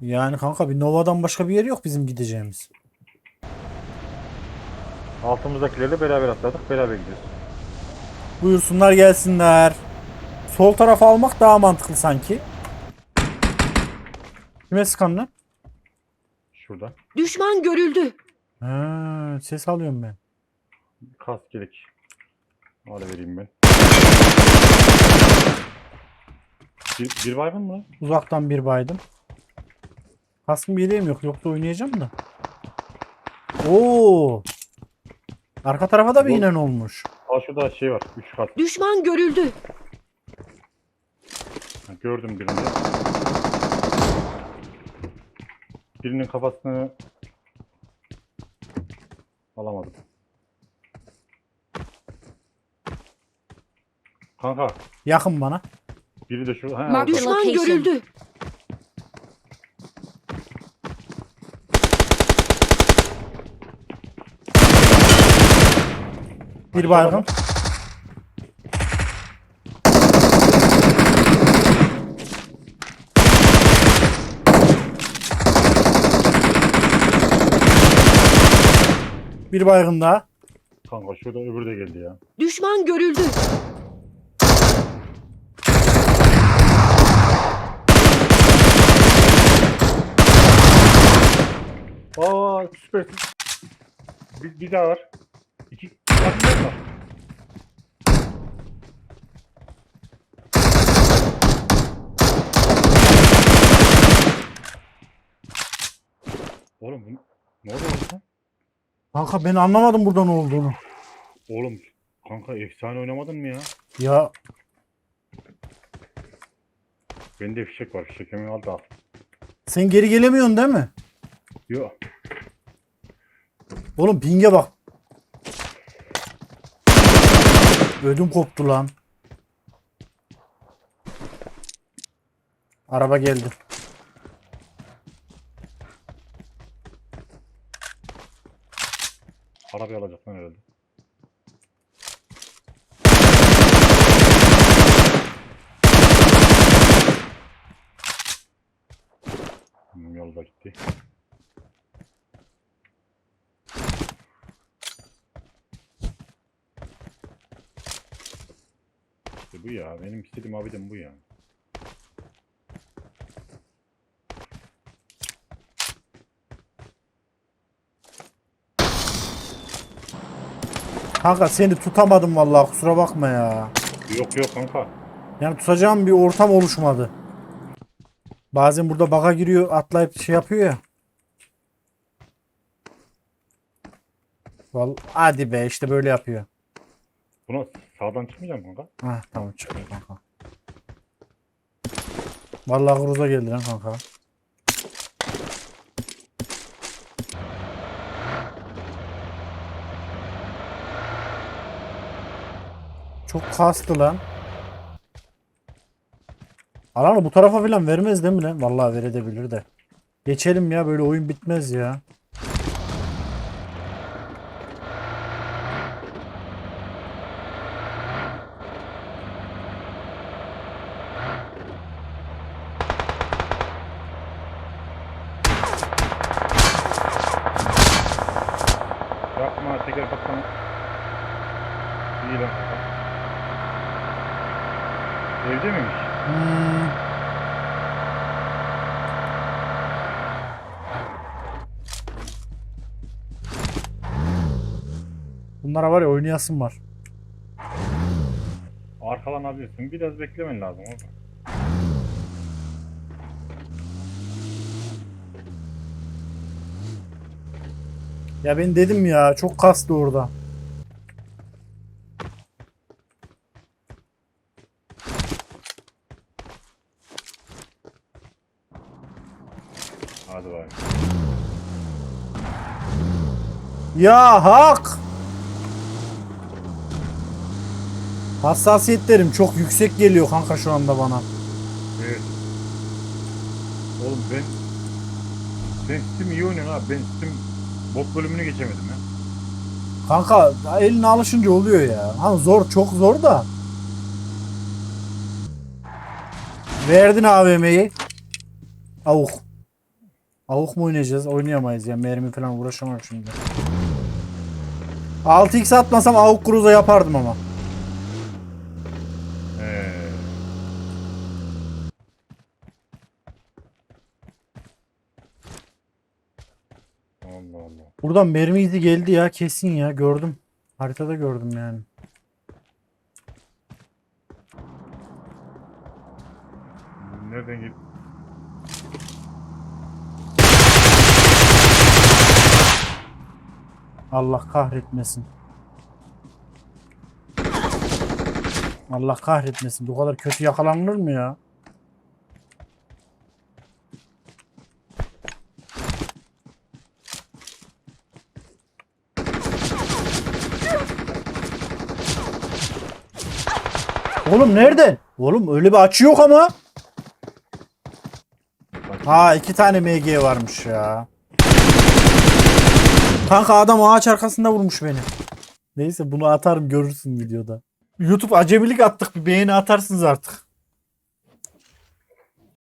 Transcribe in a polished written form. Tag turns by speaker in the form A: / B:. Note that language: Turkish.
A: Yani kanka bir Nova'dan başka bir yer yok bizim gideceğimiz.
B: Altımızdakilerle beraber atladık. Beraber gidiyoruz.
A: Buyursunlar gelsinler. Sol tarafı almak daha mantıklı sanki. Kime sıkan lan?
B: Şurada.
C: Düşman görüldü.
A: Ha, ses alıyorum ben.
B: Kask gerek. Öyle vereyim ben. Bir baygın mı lan?
A: Uzaktan bir baydım. Kaskım yeleğim yok. Yoksa oynayacağım da. Oo. Arka tarafa da bir
B: Yol-
A: inen olmuş.
B: Aa şurada şey var. 3 kat.
C: Düşman görüldü.
B: Ha, gördüm birini. Birinin kafasını alamadım. Kanka
A: Yakın bana.
B: biri de şu. Ha,
D: Mark-
B: orada.
C: Düşman
D: Location.
C: görüldü.
A: Bir baygın. Bir baygın daha.
B: Kanka şurada öbürü de geldi ya.
C: Düşman görüldü.
B: Aa süpersin. Bir daha var. İki kadınlar var. Oğlum bu ne oluyor lan?
A: Kanka ben anlamadım burada ne olduğunu.
B: Oğlum kanka efsane oynamadın mı ya?
A: Ya
B: Bende fişek var. Fişekimi al da al.
A: sen geri gelemiyorsun değil mi?
B: Yok.
A: Oğlum ping'e bak. Ödüm koptu lan. Araba geldi.
B: Arabayı alacak lan herhalde. Yolda gitti. İşte bu ya. Benim istediğim abidem bu ya.
A: Kanka seni tutamadım vallahi kusura bakma ya.
B: Yok yok kanka.
A: Yani tutacağım bir ortam oluşmadı. Bazen burada baka giriyor atlayıp şey yapıyor ya. Vallahi, hadi be işte böyle yapıyor.
B: Buna sağdan çıkmayacağım kanka.
A: Ha tamam çıkıyor kanka. Vallahi Groza geldi lan kanka. Çok kastı lan. Alanı bu tarafa falan vermez değil mi lan? Vallahi verebilir de. Geçelim ya böyle oyun bitmez ya.
B: Yapma teker baksana. İyi lan kanka. Evde miymiş?
A: Hmm. Bunlara var ya oynayasın var.
B: Arkalanabilirsin. Biraz beklemen lazım orada.
A: Ya ben dedim ya çok kastı orada.
B: Hadi bak.
A: Ya hak! Hassasiyetlerim çok yüksek geliyor kanka şu anda bana.
B: Evet. Oğlum ben Steam iyi oynuyorum abi. Ben Steam bot bölümünü geçemedim ya.
A: Kanka eline alışınca oluyor ya. Hani zor çok zor da. Verdin AVM'yi. Avuk. Avuk mu oynayacağız? Oynayamayız ya. Mermi falan uğraşamam şimdi. 6x atmasam avuk cruza yapardım ama.
B: He. Allah Allah.
A: Buradan mermi izi geldi ya kesin ya gördüm. Haritada gördüm yani.
B: Nereden git?
A: Allah kahretmesin. Allah kahretmesin. Bu kadar kötü yakalanılır mı ya? Oğlum nereden? Oğlum öyle bir açı yok ama. Ha 2 tane MG varmış ya. Kanka adam ağaç arkasında vurmuş beni. Neyse bunu atarım görürsün videoda. YouTube acemilik attık bir beğeni atarsınız artık.